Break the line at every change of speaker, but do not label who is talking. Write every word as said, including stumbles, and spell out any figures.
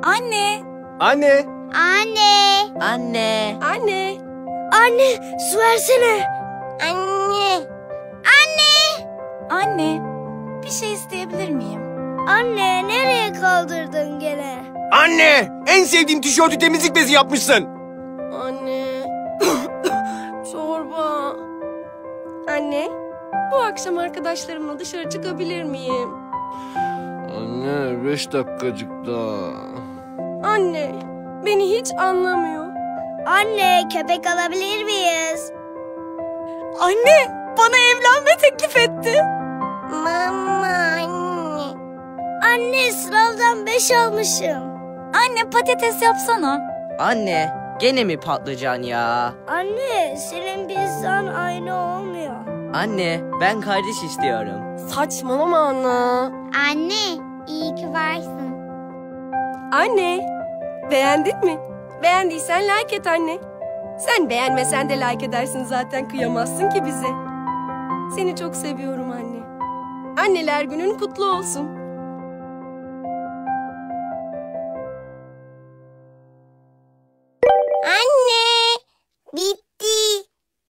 Anne.
Anne.
Anne.
Anne.
Anne.
Anne, su versene. Anne. Anne.
Anne. Bir şey isteyebilir miyim?
Anne, nereye kaldırdın gene?
Anne. En sevdiğim tişörtü temizlik bezi yapmışsın.
Anne. Çorba. Anne, bu akşam arkadaşlarımla dışarı çıkabilir miyim?
Anne beş dakikacık daha.
Anne, beni hiç anlamıyor.
Anne, köpek alabilir miyiz?
Anne, bana evlenme teklif etti.
Mama anne. Anne, sınavdan beş almışım.
Anne, patates yapsana.
Anne, gene mi patlıcan ya?
Anne, senin pizzan aynı olmuyor.
Anne, ben kardeş istiyorum.
Saçmalama Anna.
Anne, iyi ki varsın.
Anne, beğendin mi? Beğendiysen like et anne. Sen beğenmesen de like edersin zaten, kıyamazsın ki bize. Seni çok seviyorum anne. Anneler günün kutlu olsun.